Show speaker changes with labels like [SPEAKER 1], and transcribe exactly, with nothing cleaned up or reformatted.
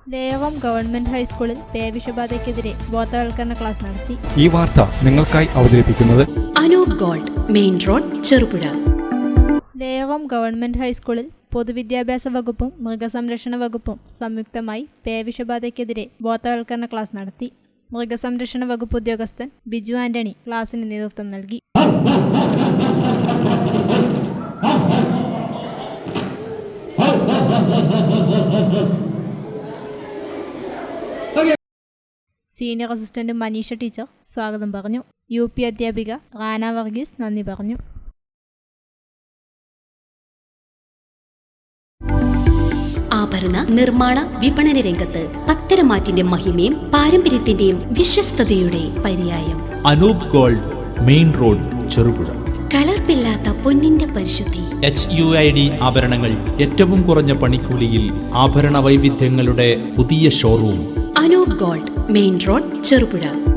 [SPEAKER 1] ദേവം government ഹൈസ്കൂളിൽ പേവിഷബാധയ്ക്കെതിരെ ബോധവൽക്കരണ class നടത്തി.
[SPEAKER 2] ഈ വാർത്ത നിങ്ങൾക്കായി അവതരിപ്പിക്കുന്നത്
[SPEAKER 3] Anoop gold, main road, Cherupuzha.
[SPEAKER 1] ദേവം ഗവൺമെന്റ് ഹൈസ്കൂളിൽ പൊതുവിദ്യാഭ്യാസ വകുപ്പും മൃഗസംരക്ഷണ വകുപ്പും സംയുക്തമായി പേവിഷബാധയ്ക്കെതിരെ ബോധവൽക്കരണ ക്ലാസ് നടത്തി. മൃഗസംരക്ഷണ വകുപ്പ് ഉദ്യോഗസ്ഥൻ ബിജു ആന്റണി ക്ലാസിന് നേതൃത്വം നൽകി. സീനിയർ അസിസ്റ്റന്റ് മനീഷ ടീച്ചർ സ്വാഗതം പറഞ്ഞു. യു പി അധ്യാപിക റാന വർഗീസ് നന്ദി പറഞ്ഞു.
[SPEAKER 3] ആഭരണ നിർമ്മാണ വിപണന രംഗത്ത് പത്തരമാറ്റിന്റെ മഹിമയും പാരമ്പര്യത്തിന്റെയും വിശ്വസ്തയുടെ പര്യായം
[SPEAKER 4] Anoop gold, main road, Cherupuzha.
[SPEAKER 3] കലർപ്പില്ലാത്ത പൊന്നിന്റെ പരിശുദ്ധി.
[SPEAKER 4] എച്ച് യു ഐ ഡി ആഭരണങ്ങൾ ഏറ്റവും കുറഞ്ഞ പണിക്കൂലിയിൽ ആഭരണ വൈവിധ്യങ്ങളുടെ പുതിയ showroom.
[SPEAKER 3] Anoop gold, main road, Cherupuzha.